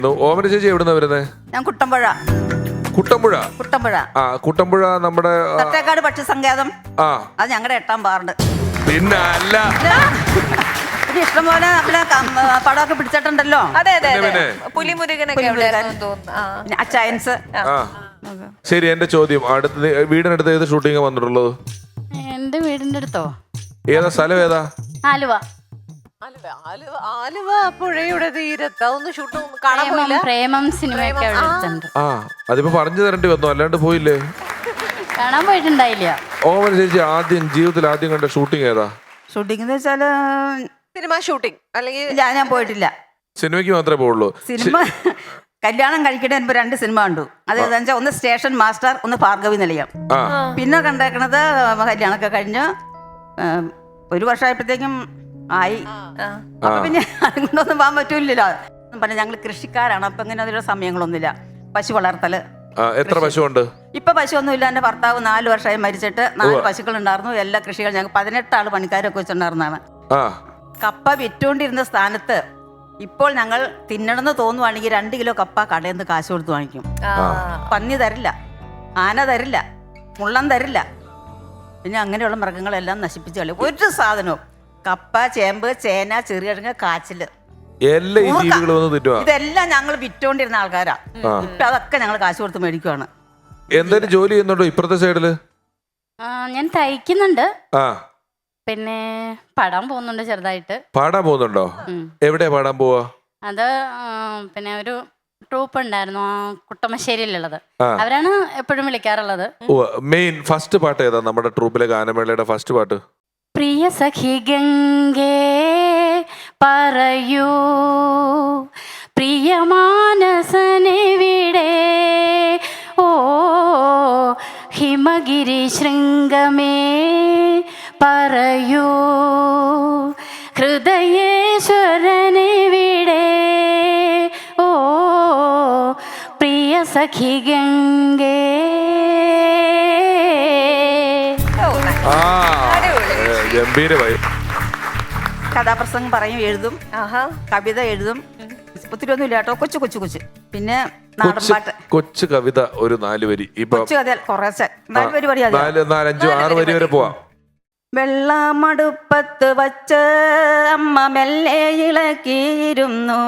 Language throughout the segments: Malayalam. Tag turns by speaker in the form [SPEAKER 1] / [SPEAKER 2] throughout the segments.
[SPEAKER 1] ഓമന ചേച്ചി എവിടുന്നാ വരുന്നേ?
[SPEAKER 2] ഞാൻ കുട്ടമ്പുഴ.
[SPEAKER 1] കുട്ടമ്പുഴ.
[SPEAKER 2] കുട്ടമ്പുഴ.
[SPEAKER 1] ആ കുട്ടമ്പുഴ നമ്മുടെ
[SPEAKER 2] തട്ടേക്കാട് പക്ഷി സങ്കേതം.
[SPEAKER 1] ആ
[SPEAKER 2] അത് ഞങ്ങളുടെ 8ാം വാർഡ്.
[SPEAKER 1] പിന്നെ അല്ല
[SPEAKER 2] ഇഷ്ടംപോലെ നമ്മളെ പടമൊക്കെ പിടിച്ചിട്ടുണ്ടല്ലോ.
[SPEAKER 3] അതെ അതെ
[SPEAKER 1] പിന്നെ,
[SPEAKER 3] അതെ.
[SPEAKER 1] പിന്നെ.
[SPEAKER 3] പുലിമുരുകനൊക്കെ എവിടെയായിരുന്നു തോന്നുന്നു.
[SPEAKER 2] പിന്നെ അച്ചയൻസ്.
[SPEAKER 1] ആ ശരി, എന്റെ ചോദ്യം, വീടിനടുത്ത് ഏത് ഷൂട്ടിംഗ് വന്നിട്ടുള്ളത്?
[SPEAKER 4] എന്റെ വീടിന്റെ അടുത്തോ?
[SPEAKER 1] ഏതാ സ്ഥലം? ഏതാ?
[SPEAKER 4] ആലുവ.
[SPEAKER 3] ആലുവ പുഴയുടെ തീരത്ത് അതൊന്നും ഷൂട്ട് കാണാൻ പോയില്ല.
[SPEAKER 4] പ്രേമം സിനിമയൊക്കെ അവിടെ അടുത്തുണ്ട്.
[SPEAKER 1] ആ അതിപ്പോ പറഞ്ഞു തരേണ്ടി വന്നു, അല്ലാണ്ട് പോയില്ലേ?
[SPEAKER 4] കാണാൻ പോയിട്ടുണ്ടായില്ല.
[SPEAKER 1] ഓമന ചേച്ചി ജീവിതത്തിൽ ആദ്യം കണ്ട ഷൂട്ടിംഗ് ഏതാ?
[SPEAKER 2] ഷൂട്ടിംഗ് എന്ന് വെച്ചാല്
[SPEAKER 3] സിനിമ ഷൂട്ടിംഗ് അല്ലെങ്കിൽ
[SPEAKER 2] ഞാൻ പോയിട്ടില്ല.
[SPEAKER 1] സിനിമയ്ക്ക് മാത്രമേ പോവുള്ളൂ.
[SPEAKER 2] സിനിമ കല്യാണം കഴിക്കണ 2 സിനിമ കണ്ടു. അത് ഏതാ വെച്ചാൽ ഒന്ന് സ്റ്റേഷൻ മാസ്റ്റർ, ഒന്ന് ഭാർഗവി നിലയം. പിന്നെ കണ്ടേക്കണത് കല്യാണമൊക്കെ കഴിഞ്ഞ് 1 വർഷമായപ്പോഴത്തേക്കും ആയി. അപ്പൊ പിന്നെ അതുകൊണ്ടൊന്നും പോകാൻ പറ്റൂലല്ലോ. പറഞ്ഞ ഞങ്ങൾ കൃഷിക്കാരാണ്, അപ്പൊ ഇങ്ങനെ അതിലുള്ള സമയങ്ങളൊന്നുമില്ല. പശു വളർത്തല്.
[SPEAKER 1] എത്ര പശുവുണ്ട്?
[SPEAKER 2] ഇപ്പൊ പശുവൊന്നുമില്ല. എന്റെ ഭർത്താവ് 4 വർഷമായി മരിച്ചിട്ട് 4 പശുക്കൾ ഉണ്ടായിരുന്നു. എല്ലാ കൃഷികളും ഞങ്ങൾ 18 ആള് പണിക്കാരൊക്കെ വെച്ചിട്ടുണ്ടായിരുന്നതാണ്. കപ്പ വിറ്റുകൊണ്ടിരുന്ന സ്ഥാനത്ത് ഇപ്പോൾ ഞങ്ങൾ തിന്നണമെന്ന് തോന്നുവാണെങ്കിൽ 2 കിലോ കപ്പ കടയിൽ നിന്ന് കാശ് കൊടുത്ത് വാങ്ങിക്കും. പന്നി തരില്ല, ആന തരില്ല, മുള്ളം തരില്ല. പിന്നെ അങ്ങനെയുള്ള മൃഗങ്ങളെല്ലാം നശിപ്പിച്ച് കളയും. ഒരു സാധനവും കപ്പ, ചേമ്പ്, ചേന, ചെറുകിഴങ്ങ്, കാച്ചില്, ഇതെല്ലാം ഞങ്ങൾ വിറ്റോണ്ടിരുന്ന ആൾക്കാരാ. ഇപ്പൊ അതൊക്കെ ഞങ്ങൾ കാശ് കൊടുത്ത് മേടിക്കുവാണ്.
[SPEAKER 1] എന്തെങ്കിലും ജോലി ചെയ്യുന്നുണ്ടോ ഇപ്പുറത്തെ സൈഡില്?
[SPEAKER 4] ഞാൻ തയ്ക്കുന്നുണ്ട്. പിന്നെ പാടാൻ പോകുന്നുണ്ട് ചെറുതായിട്ട്.
[SPEAKER 1] പാടാൻ പോകുന്നുണ്ടോ? എവിടെയാ പാടാൻ പോവാ?
[SPEAKER 4] അത് പിന്നെ ഒരു ട്രൂപ്പ് ഉണ്ടായിരുന്നു കുട്ടമശ്ശേരിയിലുള്ളത്. അവരാണ് എപ്പോഴും വിളിക്കാറുള്ളത്.
[SPEAKER 1] മെയിൻ ഫസ്റ്റ് പാട്ട് ഏതാ നമ്മുടെ ട്രൂപ്പിലെ ഗാനമേളയുടെ ഫസ്റ്റ് പാട്ട്?
[SPEAKER 4] പ്രിയ സഖി ഗംഗേ പറയൂ പ്രിയമാനസനെവിടെ, ഓ ഹിമഗിരി ശൃംഗമേ പറയൂ ഹൃദയേശ്വരനെവിടെ, ഓ പ്രിയ സഖി ഗംഗേ.
[SPEAKER 1] ഗംഭീരമായി.
[SPEAKER 2] കഥാപ്രസംഗം പറയും, എഴുതും, കവിത എഴുതും. ഒത്തിരി ഒന്നുമില്ല കേട്ടോ, കൊച്ചു. പിന്നെ നാടൻപാട്ട്,
[SPEAKER 1] കൊച്ചു കവിത ഒരു 4 വരി.
[SPEAKER 2] കൊച്ചു കഥ കുറച്ച് 4 വരി പഠിയാ.
[SPEAKER 1] 4, 5, 6 വരി വരെ പോവാം.
[SPEAKER 2] വെള്ളമടുപ്പത്ത് വച്ച് അമ്മ മെല്ലെ ഇളക്കിയിരുന്നു.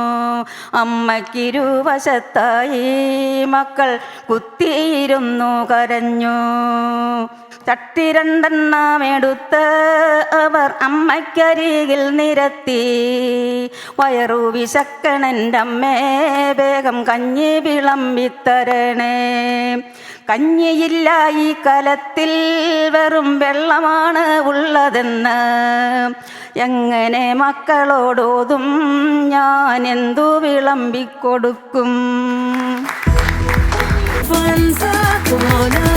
[SPEAKER 2] അമ്മയ്ക്കിരുവശത്തായി മക്കൾ കുത്തിയിരുന്നു കരഞ്ഞു. ചട്ടി 2 എടുത്ത് അവർ അമ്മയ്ക്കരികിൽ നിരത്തി. വയറു വിശക്കണൻ്റെ അമ്മേ, വേഗം കഞ്ഞി വിളമ്പിത്തരണേ. കഞ്ഞിയില്ല ഈ കലത്തിൽ, വെറും വെള്ളമാണ് ഉള്ളതെന്ന് എങ്ങനെ മക്കളോടോതും ഞാൻ എന്തു വിളമ്പിക്കൊടുക്കും?